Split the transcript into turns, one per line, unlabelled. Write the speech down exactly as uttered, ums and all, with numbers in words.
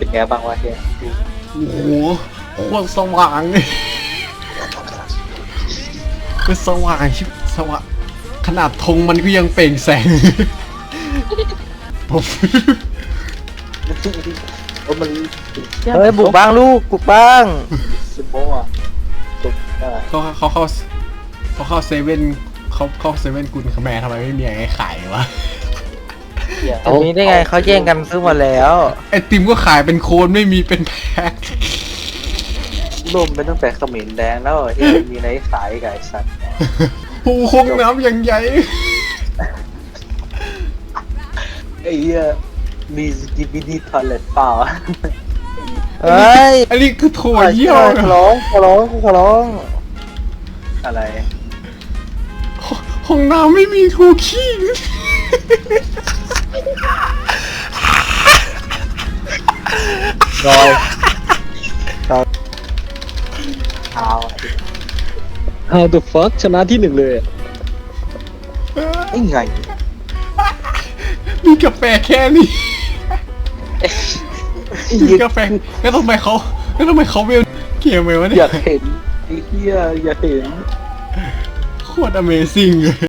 ไงบ้างวะเฮีย
โอ้โหโคตรสว่างเลยคือสว่างชิบสว่างขนาดธงมันก็ยังเปล่งแสงผม
เออมัน
เฮ้ยบุกบ้างลูกบุกบ้าง
ซิโมอ่ะตุกอ่ะ
เขาเขาเข้าเขาเข้าเซเว่นเขาเข้าเซเว่นกุลขแมทำไมไม่มีอะไรขายวะ
เฮีย
จะมีได้ไงเขาแย่งกันซื้อหมาแล้ว
ไอติมก็ขายเป็นโคนไม่มีเป็นแพ็ค
ร่มไปตั้งแต่เขมิ้นแดงแล้วเฮียมีไหนขายไก่สัตว์
โอ้โหคงน้ำอย่างใหญ่
ไอ้เฮียมีสกิบิดี้ทอลเลตเปล่า
เฮ้ย
อันนี้คือถั่วเยี่ยว
ขอร้องขอร้องขอร้อง
อะไร
ห้องน้ำไม่มีถั่วขี้
รอย
เอา
How the fuck ชนะที่หนึ่งเลยอะ
ไอ้ไง
มีกาแฟแค่นี้
ไอ้
มี
เฮีย
กาแฟแล้วทำไมเขาแล้วทำไมเขาเวลเกียร์ไหมวะเนี่
อย ยากเห็นไอ้เฮียอยากเห็น
โคตร Amazing เลย